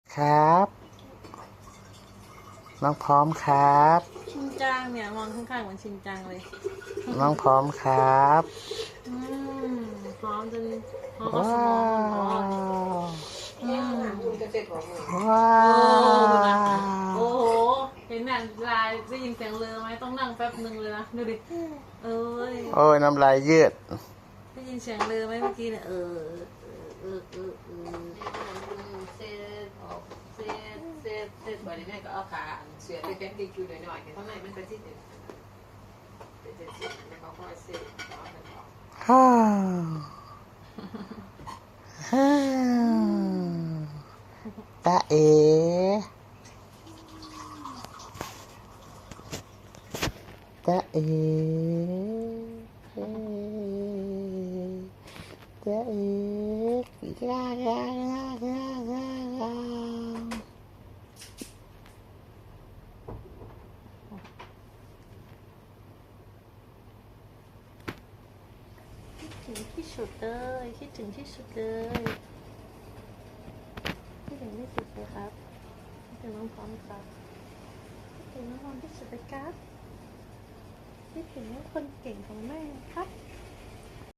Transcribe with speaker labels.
Speaker 1: ครับน้องพร้อมครับ
Speaker 2: ชินจังเนี่ยมองข้างๆเหมือนชินจังเลย
Speaker 1: น้องพร้อมครับ
Speaker 2: อืมพร้อมจนพร้อมเอาส
Speaker 1: ว้า
Speaker 2: มองมันอ๋อ
Speaker 1: ว
Speaker 2: อืม
Speaker 1: ว้า
Speaker 2: โอ้โห
Speaker 1: ว
Speaker 2: เห็นหนังลายได้ยินเสียงเรือไหมต้องนั่งแป๊บหนึ่งเลยนะดูดิเอ้ย
Speaker 1: โอ้ยน้ำลายยืด
Speaker 2: ได้ยินเสียงเรือไหมเมื่อกี้เนี่ย
Speaker 3: เสร็จบ่ได้แม่ก็เอาขาเสือไปแป้งดีคิวหน่อยๆแต่ข้างในมันเป็นที่เด็ดแล้วก็ค่อยเสร็จต่อกันออก
Speaker 1: ฮ่าฮ่าตาเอตาเอตาเอยายา
Speaker 2: คิดถึงที่สุดเลยคิดถึงที่สุดเลยคิดถึงที่สุดเลยครับคิดถึงน้องพร้อมครับคิดถึงน้องพร้อมที่สุดเลยครับคิดถึงคนเก่งของแม่ครับ